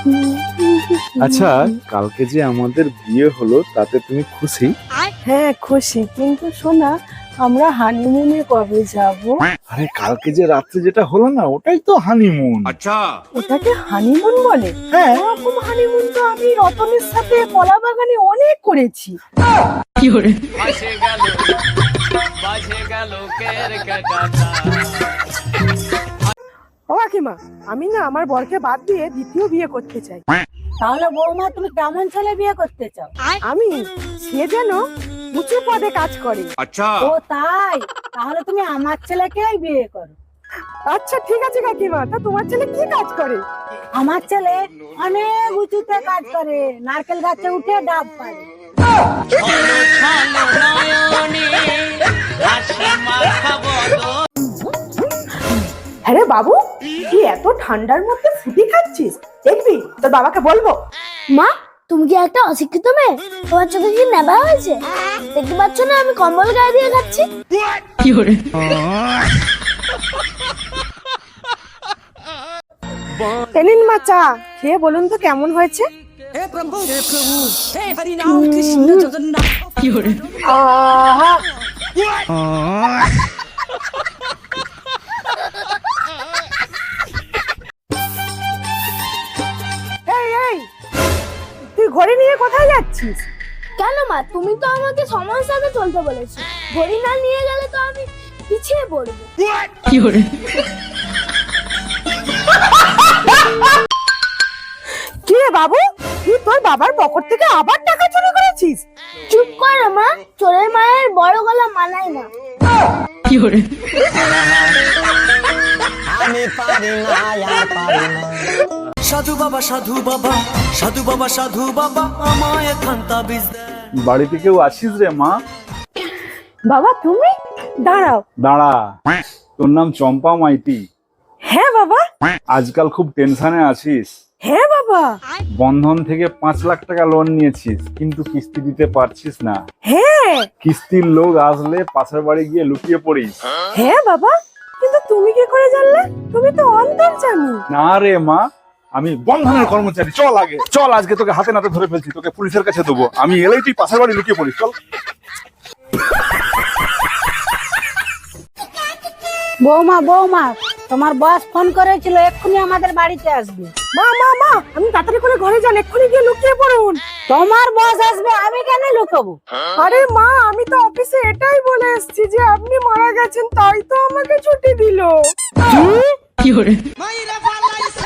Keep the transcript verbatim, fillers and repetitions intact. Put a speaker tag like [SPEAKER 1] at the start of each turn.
[SPEAKER 1] আচ্ছা, কালকে যে আমাদের বিয়ে হলো তাতে তুমি খুশি?
[SPEAKER 2] হ্যাঁ খুশি, কিন্তু শোনা, আমরা হানিমুনে কবে যাব?
[SPEAKER 1] আরে কালকে যে রাত্রে যেটা হলো না, ওটাই তো হানিমুন।
[SPEAKER 3] আচ্ছা,
[SPEAKER 2] ওটাকে হানিমুন বলে?
[SPEAKER 1] হ্যাঁ।
[SPEAKER 2] এরকম হানিমুন তো আমি রতনের সাথে কলা বাগানে অনেক করেছি। ও কাকিমা, আমি না আমার বরকে বাদ দিয়ে দ্বিতীয় বিয়ে করতে চাই।
[SPEAKER 4] তাহলে বৌমা তুমি কেমন ছেলে বিয়ে করতে চাও?
[SPEAKER 2] আমি, সে যেন উঁচু পদে কাজ করে।
[SPEAKER 3] আচ্ছা,
[SPEAKER 4] ও তাই? তাহলে তুমি আমার ছেলেকেই বিয়ে করো।
[SPEAKER 2] আচ্ছা ঠিক আছে কাকিমা, তা তোমার ছেলে কি কাজ করে?
[SPEAKER 4] আমার ছেলে অনেক উঁচুতে কাজ করে, নারকেল গাছে উঠে ডাব পারে।
[SPEAKER 2] আরে বাবু, তুই এত ঠান্ডার মধ্যে ফুটি খাচ্ছিস? দেখবি তোর বাবাকে বলবো।
[SPEAKER 5] মা, তুমি কি একটা অশিক্ষিত মেয়ে? তোমার চোখে কি নেবা হয়েছে? দেখতে পাচ্ছ না আমি কম্বল গায়ে দিয়ে খাচ্ছি?
[SPEAKER 2] এনিন মা চা, খেয়ে বলুন তো কেমন হয়েছে? আহা! এই, এই, তুই ঘরে নিয়ে কোথায় যাচ্ছিস?
[SPEAKER 5] কেন মা, তুমি তো আমাকে সময়ের সাথে চলতে বলেছো। ঘড়ি না নিয়ে গেলে তো আমি পিছিয়ে পড়বো।
[SPEAKER 2] কি রে বাবু, তুই তোর বাবার পকেট থেকে আবার টাকা চুরি করেছিস?
[SPEAKER 5] চুপ কর মা, চোরের মায়ের বড় গলা মানায় না।
[SPEAKER 6] সাধু বাবা সাধু বাবা সাধু বাবা সাধু বাবা আমায় খান্তা বীজ দে।
[SPEAKER 1] বাড়িতে কেউ আছিস রে মা?
[SPEAKER 2] বাবা তুমি দাঁড়াও।
[SPEAKER 1] দাঁড়া, তোর নাম চম্পা মাইতি?
[SPEAKER 2] হ্যাঁ বাবা।
[SPEAKER 1] আজকাল খুব টেনশনে আছিস?
[SPEAKER 2] হ্যাঁ বাবা।
[SPEAKER 1] বন্ধন থেকে পাঁচ লাখ টাকা লোন নিয়েছিস, কিন্তু কিস্তি দিতে পারছিস না।
[SPEAKER 2] হ্যাঁ।
[SPEAKER 1] কিস্তির লোক আসলে পাশের বাড়ি গিয়ে লুকিয়ে পড়িস।
[SPEAKER 2] হ্যাঁ বাবা, কিন্তু তুমি কি করে জানলে? তুমি তো অন্তর্জামী।
[SPEAKER 1] না রে মা, আমি বন্ধনের কর্মচারী। চল আগে চল, আজকে তোকে হাতে নাতে ধরে ফেলছি, তোকে পুলিশের কাছে দেবো। আমি এলেই তুই পাশের বাড়ি লুকিয়ে পড়িস। চল।
[SPEAKER 4] বৌমা বৌমা, তোমার বস ফোন করেছিল, এক্ষুনি আমাদের বাড়িতে আসবে।
[SPEAKER 2] মা মা মা, আমি তাড়াতাড়ি করে ঘরে যান, এক্ষুনি গিয়ে লুকিয়ে পড়ুন।
[SPEAKER 4] তোমার বস আসবে, আমি কেন লুকাবো?
[SPEAKER 2] আরে মা, আমি তো অফিসে এটাই বলে এসেছি যে আপনি মারা গেছেন, তাই তো আমাকে ছুটি দিল।
[SPEAKER 4] কি?
[SPEAKER 6] মাইরা ফালাইছে